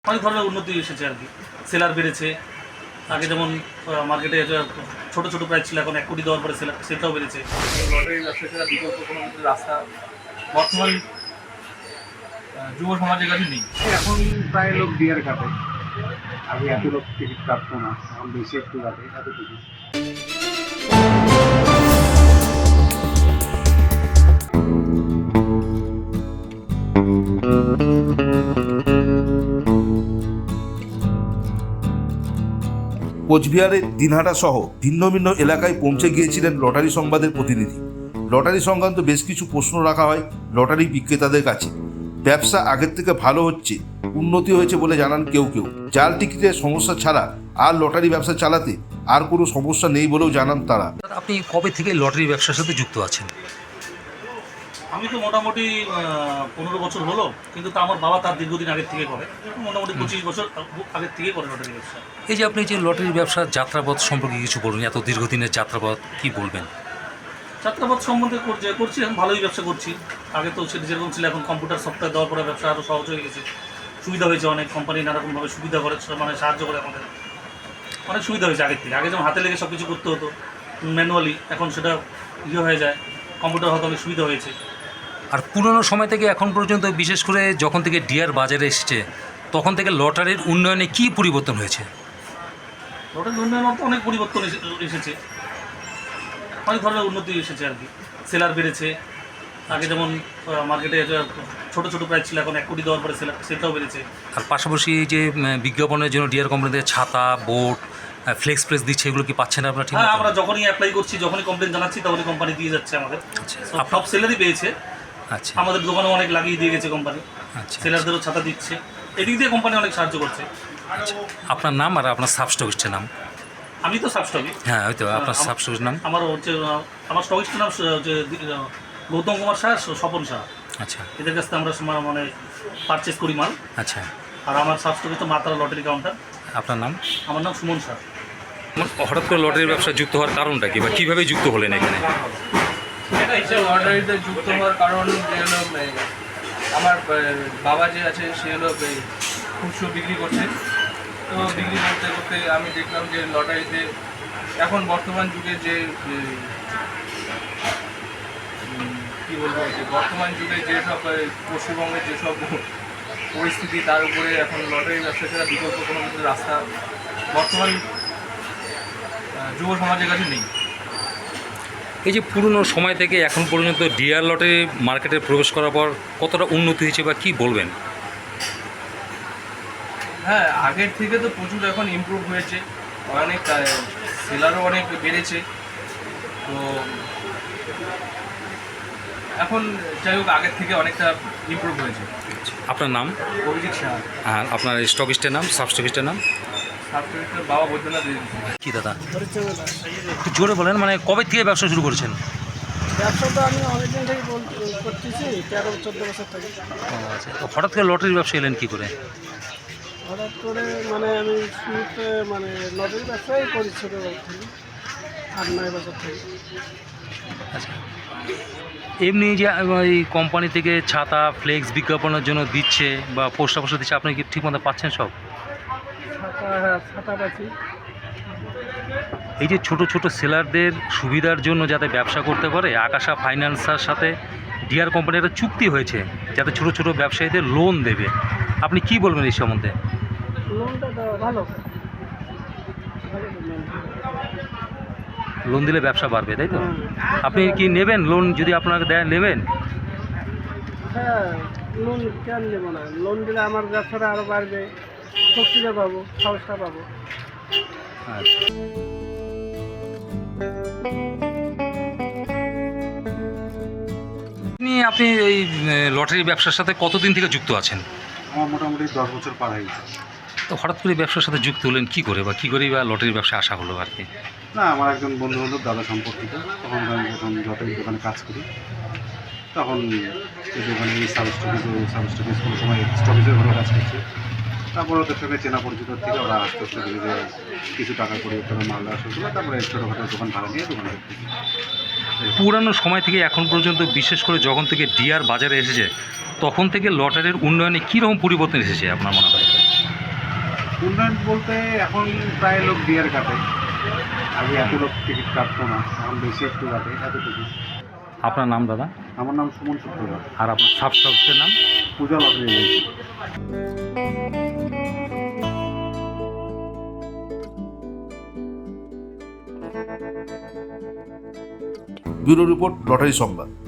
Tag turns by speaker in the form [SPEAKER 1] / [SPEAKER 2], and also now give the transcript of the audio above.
[SPEAKER 1] অনেক ধরনের উন্নতি এসেছে আর কি। সেলার বেড়েছে। আগে যেমন মার্কেটে ছোট ছোট প্রাইস ছিল, এখন 1 কোটি দেওয়ার পরে সেটাও বেড়েছে।
[SPEAKER 2] লটারি ব্যবসা ছাড়া বিকল্প কোনো কিছু রাস্তা বর্তমান যুব সমাজের কাছে নেই।
[SPEAKER 3] এখন প্রায় লোক ডিয়ার কাটে, আগে এত লোক টিকিট কাটতো না, এখন বেশি একটু কাটে এতটুকু।
[SPEAKER 4] কোচবিহারের দিনহাটা সহ ভিন্ন ভিন্ন এলাকায় পৌঁছে গিয়েছিলেন লটারি সংবাদের প্রতিনিধি। লটারি সংক্রান্ত বেশ কিছু প্রশ্ন রাখা হয় লটারি বিক্রেতাদের কাছে। ব্যবসা আগের থেকে ভালো হচ্ছে, উন্নতি হয়েছে বলে জানান কেউ কেউ। জাল টিকিটের সমস্যা ছাড়া আর লটারি ব্যবসা চালাতে আর কোনো সমস্যা নেই বলেও জানান তারা।
[SPEAKER 5] আপনি কবে থেকে লটারি ব্যবসার সাথে যুক্ত আছেন?
[SPEAKER 1] আমি তো মোটামুটি 15 বছর হলো, কিন্তু তা আমার বাবা তার দীর্ঘদিন আগের থেকে করে, মোটামুটি 25 বছর আগের থেকে করে লটারি ব্যবসা।
[SPEAKER 5] এই যে আপনি যে লটারি ব্যবসার যাত্রাপথ সম্পর্কে কিছু বলুন, এত দীর্ঘদিনের যাত্রাপথ কি বলবেন?
[SPEAKER 1] যাত্রাপথ সম্বন্ধে করছি, এখন ভালোই ব্যবসা করছি। আগে তো সেটা যেরকম ছিল, এখন কম্পিউটার সফটওয়্যার দেওয়ার পরে ব্যবসা আরও সহজ হয়ে গেছে, সুবিধা হয়েছে। অনেক কোম্পানি নানারকমভাবে সুবিধা করে, মানে সাহায্য করে আমাদের, অনেক সুবিধা হয়েছে আগের থেকে। আগে যেমন হাতে লেগে সব কিছু করতে হতো ম্যানুয়ালি, এখন সেটা হয়ে যায়, কম্পিউটার হয়তো অনেক সুবিধা হয়েছে।
[SPEAKER 5] আর পুরনো সময় থেকে এখন পর্যন্ত, বিশেষ করে যখন থেকে ডিয়ার বাজারে এসেছে, তখন থেকে লটারির উন্নয়নে কি পরিবর্তন হয়েছে?
[SPEAKER 1] লটারির উন্নয়ন তো অনেক পরিবর্তন এসেছে, অনেক ধরনের উন্নতি এসেছে আর কি। সেলার বেড়েছে। আগে যেমন মার্কেটে ছোট ছোট প্রাইস ছিল, এখন 1 কোটি দেওয়ার পরে সেটাও বেড়েছে।
[SPEAKER 5] আর পাশাপাশি এই যে বিজ্ঞাপনের জন্য ডিয়ার কোম্পানি থেকে ছাতা, বোর্ড, ফ্লেক্স প্রেস দিচ্ছে, এগুলো কি পাচ্ছেন আপনারা? ঠিক
[SPEAKER 1] হ্যাঁ, আমরা যখনই অ্যাপ্লাই করছি, যখনই কমপ্লেন জানাচ্ছি, তখনই কোম্পানি দিয়ে যাচ্ছে আমাদের।
[SPEAKER 5] আচ্ছা,
[SPEAKER 1] সব সেলারই পেয়েছে।
[SPEAKER 5] আচ্ছা,
[SPEAKER 1] আমাদের দোকানেও অনেক লাগিয়ে দিয়ে গেছে কোম্পানি,
[SPEAKER 5] আচ্ছা।
[SPEAKER 1] সেলারদেরও ছাতা দিচ্ছে। এদিক দিয়ে কোম্পানি অনেক সাহায্য করছে।
[SPEAKER 5] আচ্ছা, আপনার নাম আর আপনার সাবস্টকিস্টের নাম?
[SPEAKER 1] আমি তো সাবস্টকি।
[SPEAKER 5] হ্যাঁ, হয়তো আপনার সাবস্টকিস্টের নাম?
[SPEAKER 1] আমার হচ্ছে আমার স্টকিস্টের নাম হচ্ছে গৌতম কুমার শাহ, স্বপন শাহ।
[SPEAKER 5] আচ্ছা,
[SPEAKER 1] এদের কাছ থেকে আমরা মানে পারচেস করি মাল।
[SPEAKER 5] আচ্ছা।
[SPEAKER 1] আর আমার সাবস্টকিস্ট মাতারা লটারি কাউন্টার।
[SPEAKER 5] আপনার নাম?
[SPEAKER 1] আমার নাম সুমন শাহ।
[SPEAKER 5] হঠাৎ করে লটারির ব্যবসা যুক্ত হওয়ার কারণটা কি, বা কীভাবে যুক্ত হলেন এখানে?
[SPEAKER 2] লটারিতে যুক্ত হওয়ার কারণ যে হলো, আমার বাবা যে আছে সে হলো খুচরো বিক্রি করছে। তো বিক্রি করতে করতে আমি দেখলাম যে লটারিতে এখন বর্তমান যুগে যে কী বলবো, যে বর্তমান যুগে যেসব পশ্চিমবঙ্গের যেসব পরিস্থিতি, তার উপরে এখন লটারি ব্যবসা ছাড়া বিকল্প কোনো কিছু রাস্তা বর্তমান যুব সমাজের কাছে নেই।
[SPEAKER 5] এই যে পুরনো সময় থেকে এখন পর্যন্ত ডিয়ার লটারি মার্কেটে প্রবেশ করার পর কতটা উন্নতি হয়েছে বা কী বলবেন?
[SPEAKER 2] হ্যাঁ, আগের থেকে তো প্রচুর এখন ইমপ্রুভ হয়েছে, অনেক সেলারও অনেক বেড়েছে। তো এখন যাই হোক, আগের থেকে অনেকটা ইমপ্রুভ হয়েছে।
[SPEAKER 5] আপনার নাম?
[SPEAKER 2] অভিজিৎ শাহ।
[SPEAKER 5] আর আপনার স্টকিস্টের নাম, সাবস্টকিস্টের নাম?
[SPEAKER 2] সাবস্ক্রিপ্টের বাবা বৈদ্যনাথ।
[SPEAKER 5] কি দাদা, একটু জোরে বলেন, মানে কবে থেকে ব্যবসা শুরু করেছেন?
[SPEAKER 6] ব্যবসা তো আমি অনেকদিন থেকে করতেছি, 13-14 বছর থেকে।
[SPEAKER 5] আচ্ছা, তো হঠাৎ করে লটারির ব্যবসা এলেন কী করে?
[SPEAKER 6] হঠাৎ করে মানে আমি শুরুতে মানে লটারি ব্যবসাই করি ছোটোবেলা থেকে, 8-9 বছর থেকে।
[SPEAKER 5] আচ্ছা, এমনি যে এই কোম্পানি থেকে ছাতা, ফ্লেক্স বিজ্ঞাপনের জন্য দিচ্ছে বা পোস্ট অফিসে দিচ্ছে, আপনি কি ঠিকমতো পাচ্ছেন সব?
[SPEAKER 6] ছাতা পাচ্ছি।
[SPEAKER 5] এই যে ছোট ছোট সেলারদের সুবিধার জন্য যাতে ব্যবসা করতে পারে, আকাশা ফাইন্যান্সের সাথে ডিয়ার কোম্পানির একটা চুক্তি হয়েছে যাতে ছোট ছোট ব্যবসায়ীদের লোন দেবে। আপনি কি বলবেন এই সম্বন্ধে?
[SPEAKER 6] লোনটা দেওয়া ভালো।
[SPEAKER 5] লোন দিলে ব্যবসা বাড়বে, তাই তো? আপনি কি নেবেন লোন? যদি আপনাকে দেয়, নেবেন?
[SPEAKER 6] হ্যাঁ, লোন কেন নেবো না? লোন দিলে আমার ব্যবসাটা আরও বাড়বে, শক্তিটা পাবো, সাহসটা পাবো।
[SPEAKER 5] আচ্ছা। আপনি এই লটারি ব্যবসার সাথে কতদিন থেকে যুক্ত আছেন?
[SPEAKER 3] আমার মোটামুটি 10 বছর পার হয়ে গেছে।
[SPEAKER 5] তো হঠাৎ করে ব্যবসার সাথে যুক্ত হলেন কী করে, বা কী করেই বা লটারির ব্যবসা আসা হলো আর কি?
[SPEAKER 3] না, আমার একজন বন্ধু হলো, দাদা সম্পর্কিত। তখন আমি যখন লটারির দোকানে কাজ করি, তখন এই দোকানে সাবস্টকিস কোনো সময় স্টকিসের ঘরে কাজ করছে। তারপর ওদের সঙ্গে চেনা পরিচিত থেকে ওরা আস্তে আস্তে ধীরে ধীরে কিছু টাকা করে ওখানে মাল দেওয়া শুরু করলো। তারপরে ছোটোখাটো দোকান ভাড়া নিয়ে দোকান করতেছি।
[SPEAKER 5] পুরানো সময় থেকে এখন পর্যন্ত, বিশেষ করে যখন থেকে ডিয়ার বাজারে এসেছে, তখন থেকে লটারির উন্নয়নে কীরকম পরিবর্তন এসেছে আপনার মনে হয়?
[SPEAKER 3] উন্নয়ন বলতে এখন প্রায় লোক ডিয়ার কাটে, আগে এত লোক টিকিট কাটতো না, এখন বেশি একটু কাটে, এতটুকু।
[SPEAKER 5] আপনার নাম দাদা?
[SPEAKER 3] আমার নাম সুমন সূত্রধর,
[SPEAKER 5] আর আপনার সাব স্টপসের নাম?
[SPEAKER 3] Puja lottery agency.
[SPEAKER 4] Bureau report, lottery সংবাদ।